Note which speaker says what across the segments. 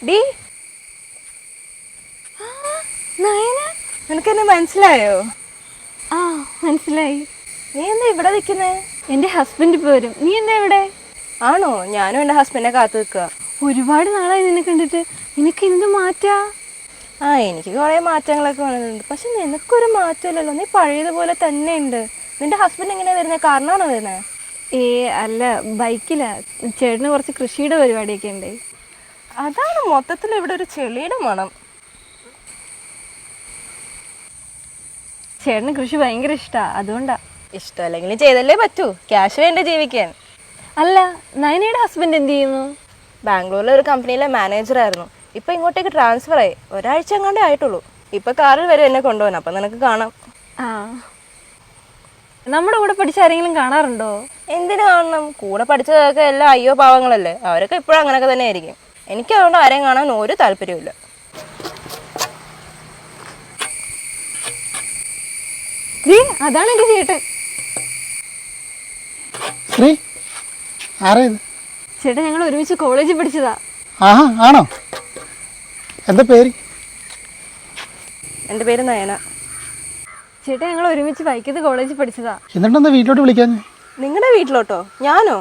Speaker 1: D Nayana, നിനക്കെന്നെ മനസ്സിലായോ?
Speaker 2: ആ മനസ്സിലായി.
Speaker 1: നീ എന്താ ഇവിടെ നിൽക്കുന്നേ?
Speaker 2: എൻ്റെ ഹസ്ബൻഡ് ഇപ്പോൾ വരും. നീ എന്താ ഇവിടെ?
Speaker 1: ആണോ? ഞാനും എൻ്റെ ഹസ്ബൻഡിനെ കാത്തു നിൽക്കുക.
Speaker 2: ഒരുപാട് നാളായി നിന്നെ കണ്ടിട്ട്. നിനക്ക് എന്ത് മാറ്റാ?
Speaker 1: എനിക്ക് കുറേ മാറ്റങ്ങളൊക്കെ വന്നിട്ടുണ്ട്. പക്ഷെ നിനക്കൊരു മാറ്റമില്ലല്ലോ, നീ പഴയതുപോലെ തന്നെ ഉണ്ട്. നിന്റെ ഹസ്ബൻഡ് എങ്ങനെയാണ് വരുന്നത്? കാരണമാണോ വരുന്നത്?
Speaker 2: അല്ല, ബൈക്കിലാ. ചേട്ടന് കുറച്ച് കൃഷിയുടെ പരിപാടിയൊക്കെ ഉണ്ട്.
Speaker 1: അതാണ് മൊത്തത്തിൽ ഇവിടെ ഒരു ചെളിയുടെ മണം.
Speaker 2: ചേട്ടന് കൃഷി ഭയങ്കര ഇഷ്ടമാണ്, അതുകൊണ്ടാ.
Speaker 1: ഇഷ്ടമല്ലെങ്കിലും ചെയ്തല്ലേ പറ്റൂ, ക്യാഷ് വേണ്ടേ ജീവിക്കാൻ.
Speaker 2: അല്ല, നയനയുടെ ഹസ്ബൻഡ് എന്ത് ചെയ്യുന്നു?
Speaker 1: ബാംഗ്ലൂരിലെ ഒരു കമ്പനിയിലെ മാനേജറായിരുന്നു. ഇപ്പം ഇങ്ങോട്ടേക്ക് ട്രാൻസ്ഫർ ആയി. ഒരാഴ്ച എങ്ങാണ്ടേ ആയിട്ടുള്ളൂ. ഇപ്പം കാറിൽ വരെ എന്നെ കൊണ്ടുപോകാൻ. അപ്പം നിനക്ക് കാണാം.
Speaker 2: ആ, നമ്മുടെ കൂടെ പഠിച്ച ആരെങ്കിലും കാണാറുണ്ടോ?
Speaker 1: എന്തിനു കാണണം? കൂടെ പഠിച്ചതൊക്കെ എല്ലാം അയ്യോ പാവങ്ങളല്ലേ. അവരൊക്കെ ഇപ്പോഴും അങ്ങനെയൊക്കെ തന്നെ ആയിരിക്കും. എനിക്ക് അതുകൊണ്ട് ആരെയും കാണാൻ ഒരു താല്പര്യമില്ല.
Speaker 2: അതാണ് എൻ്റെ ചേട്ടൻ. ചേട്ടൻ ഞങ്ങൾ ഒരുമിച്ച് കോളേജിൽ പഠിച്ചതാ.
Speaker 3: ആണോ? എന്താ പേര്?
Speaker 1: എൻ്റെ പേര് നയന.
Speaker 2: ചേട്ടൻ ഞങ്ങൾ ഒരുമിച്ച് വൈക്കത്ത് കോളേജിൽ പഠിച്ചതാ.
Speaker 3: എന്നിട്ടെന്താ വീട്ടിലോട്ട് വിളിക്കാൻ?
Speaker 1: നിങ്ങളുടെ വീട്ടിലോട്ടോ? ഞാനോ?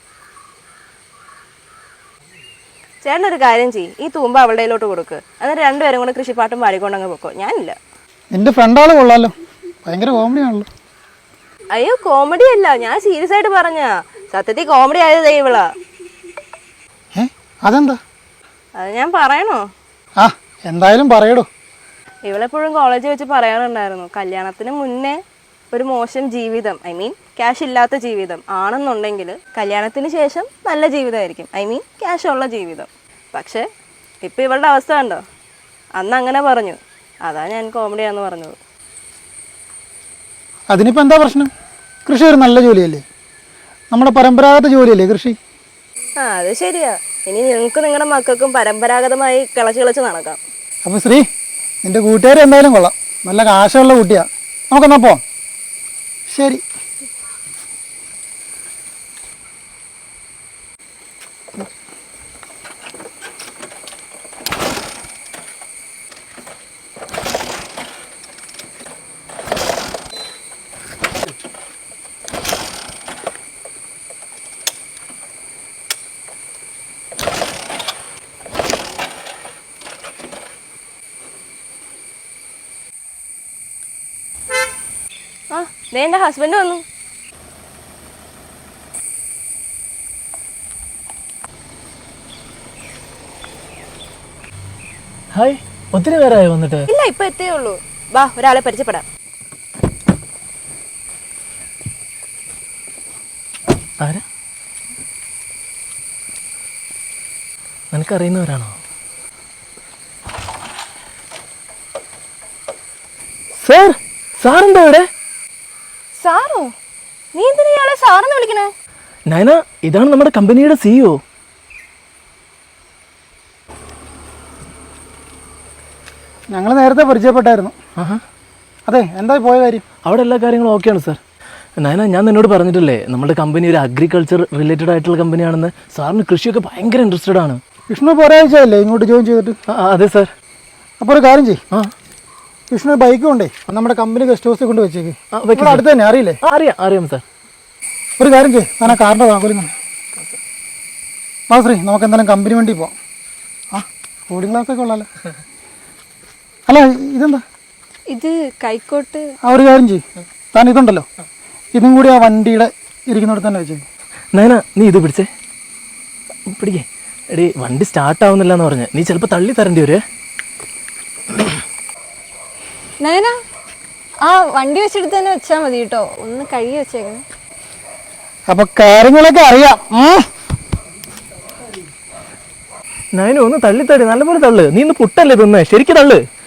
Speaker 1: ചേട്ടനൊരു കാര്യം ചെയ്യ്, ഈ തൂമ്പ അവളുടെ കയ്യിലോട്ട് കൊടുക്ക്. എന്നിട്ട് രണ്ടുപേരും കൂടെ കൃഷിപ്പാട്ടും പാടിക്കൊണ്ടങ്ങ് പൊക്കോ. ഞാനില്ല.
Speaker 3: നിന്റെ ഫ്രണ്ടാള് കൊള്ളാലോ, ഭയങ്കര കോമഡി ആണല്ലോ.
Speaker 1: അയ്യോ, കോമഡി അല്ല, ഞാൻ സീരിയസ് ആയിട്ട് പറഞ്ഞാ. സത്യത്തിൽ കോമഡി ആയത് ഇവളാ.
Speaker 3: അതെന്താ?
Speaker 1: അത് ഞാൻ പറയണോ?
Speaker 3: എന്തായാലും പറയടോ.
Speaker 1: ഇവളെപ്പോഴും കോളേജിൽ വെച്ച് പറയാറുണ്ടായിരുന്നു, കല്യാണത്തിന് മുന്നേ ഒരു മോശം ജീവിതം, ഐ മീൻ ക്യാഷ് ഇല്ലാത്ത ജീവിതം ആണെന്നുണ്ടെങ്കിൽ കല്യാണത്തിന് ശേഷം നല്ല ജീവിതമായിരിക്കും, ഐ മീൻ ക്യാഷ് ഉള്ള ജീവിതം. പക്ഷേ ഇപ്പം ഇവളുടെ അവസ്ഥ കണ്ടോ? അന്ന് അങ്ങനെ പറഞ്ഞു, അതാ ഞാൻ കോമഡിയാന്ന് പറഞ്ഞത്.
Speaker 3: അതിനിപ്പോൾ എന്താ പ്രശ്നം? കൃഷി ഒരു നല്ല ജോലിയല്ലേ, നമ്മുടെ പരമ്പരാഗത ജോലിയല്ലേ കൃഷി.
Speaker 1: അത് ശരിയാ. ഇനി നിങ്ങൾക്ക് നിങ്ങളുടെ മക്കൾക്കും പരമ്പരാഗതമായി കിളച്ച് നടക്കാം.
Speaker 3: അപ്പോൾ ശ്രീ, നിന്റെ കൂട്ടുകാർ എന്തായാലും കൊള്ളാം, നല്ല കാശുള്ള കുട്ടിയാ. നമുക്കെന്നാ പോവാം. ശരി.
Speaker 1: ദേ എൻ്റെ ഹസ്ബൻഡ് വന്നു.
Speaker 4: ഹായ്, ഒത്തിരി പേരായോ വന്നിട്ട്?
Speaker 1: ഇല്ല, ഇപ്പൊ എത്തേ ഉള്ളൂ. വാ, ഒരാളെ പരിചയപ്പെടാം.
Speaker 4: ആരാ? നിനക്കറിയുന്നവരാണോ? സാർ, സാറെന്താ ഇവിടെ?
Speaker 1: സാറോ? നീ എന്തിനാ ഇയാളെ സാറെന്ന് വിളിക്കണേ?
Speaker 4: നയന, ഇതാണ് നമ്മുടെ കമ്പനിയുടെ CEO.
Speaker 3: ഞങ്ങൾ നേരത്തെ പരിചയപ്പെട്ടായിരുന്നു. അതെ, എന്താ പോയ കാര്യം?
Speaker 4: അവിടെ എല്ലാ കാര്യങ്ങളും ഓക്കെയാണ് സാർ. നയന, ഞാൻ നിന്നോട് പറഞ്ഞിട്ടില്ലേ നമ്മുടെ കമ്പനി ഒരു അഗ്രികൾച്ചർ റിലേറ്റഡ് ആയിട്ടുള്ള കമ്പനിയാണെന്ന്. സാറിന് കൃഷിയൊക്കെ ഭയങ്കര ഇൻട്രസ്റ്റഡ് ആണ്.
Speaker 3: വിഷ്ണു ഇപ്പോൾ ഒരാഴ്ചയല്ലേ ഇങ്ങോട്ട് ജോയിൻ ചെയ്തിട്ട്?
Speaker 4: അതെ സാർ.
Speaker 3: അപ്പോൾ ഒരു കാര്യം ചെയ്യും, വിഷ്ണു ബൈക്ക് കൊണ്ടേ നമ്മുടെ കമ്പനി ഗസ്റ്റ് ഹൗസിൽ കൊണ്ട് വെച്ചേക്ക്. അടുത്ത് തന്നെ അറിയില്ലേ?
Speaker 4: അറിയാം സാർ.
Speaker 3: ഒരു കാര്യം ചെയ്യും, ഞാൻ ആ കാറിൻ്റെ താക്കോലും ശ്രീ, നമുക്ക് എന്തായാലും കമ്പനി വണ്ടി പോവാം. കൂളിംഗ് ഗ്ലാസ്സൊക്കെ ഉള്ളല്ലോ. അല്ല, ഇതെന്താ?
Speaker 2: ഇത് കൈക്കോട്ട്.
Speaker 3: ഒരു കാര്യം ചെയ്യും, താൻ ഇതുണ്ടല്ലോ, ഇതും കൂടി ആ വണ്ടിയുടെ ഇരിക്കുന്നിടത്ത് തന്നെ വെച്ചേക്ക്.
Speaker 4: നയന, നീ ഇത് പിടിക്കേ. എടീ, വണ്ടി സ്റ്റാർട്ട് ആവുന്നില്ല എന്ന് പറഞ്ഞ് നീ ചിലപ്പോൾ തള്ളി തരേണ്ടി വരുവേ.
Speaker 2: നയന, ആ വണ്ടി വെച്ചെടുത്ത് തന്നെ വെച്ചാൽ മതി കേട്ടോ, ഒന്ന് കഴുകി വെച്ചേക്കണം.
Speaker 3: അപ്പൊ കാര്യങ്ങളൊക്കെ അറിയാം.
Speaker 4: നയന, ഒന്ന് തള്ളിത്തടി, നല്ലപോലെ തള്ളു. നീ ഇന്ന് പുട്ടല്ലേ തിന്നേ, ശരിക്കും തള്ളു.